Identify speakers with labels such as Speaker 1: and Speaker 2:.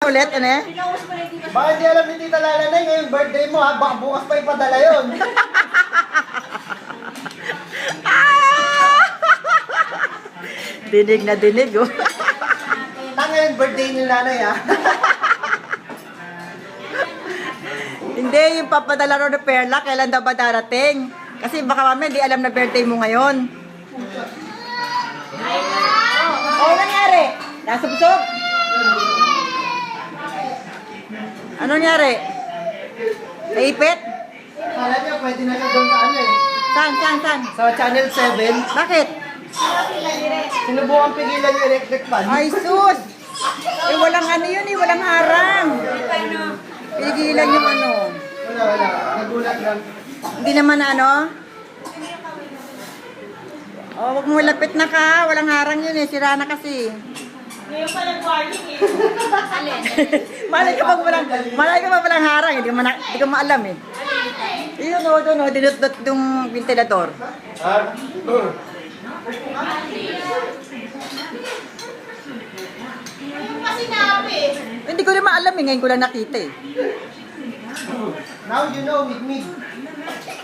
Speaker 1: ulit, ano eh?
Speaker 2: Baka hindi alam ni Tita Lalanay, ngayong birthday mo ha, baka bukas pa ipadala yun.
Speaker 1: Dinig na dinig, oh.
Speaker 2: Ngayong birthday ni Nanay ha.
Speaker 1: Hindi, yung papadala ro ni Perla, kailan daw ba darating? Kasi baka mamaya hindi alam na birthday mo ngayon. Oh, nangyari? Nasubsob? Ano nangyari? Naipit?
Speaker 2: Kala niya pwede na siya doon sa ano eh.
Speaker 1: Saan?
Speaker 2: Sa Channel 7.
Speaker 1: Bakit?
Speaker 2: Sinubukan pigilan yung electric fan.
Speaker 1: Ay, sus! Eh, walang ano yun eh, walang harang. Pigilan yung ano.
Speaker 2: Wala. Nagulat lang.
Speaker 1: Hindi naman ano? Oh, wag mo lapit na ka. Walang harang yun eh. Sira na kasi.
Speaker 3: Ngayon pa lang warning eh. Alin?
Speaker 1: Malay ka pa walang harang. Hindi ko maalam eh. Yun o, doon o. Dinut-dut yung ventilador.
Speaker 3: Yung pa sinabi.
Speaker 1: Hindi ko rin maalam eh. Ngayon ko lang nakita eh.
Speaker 2: Now you know with me.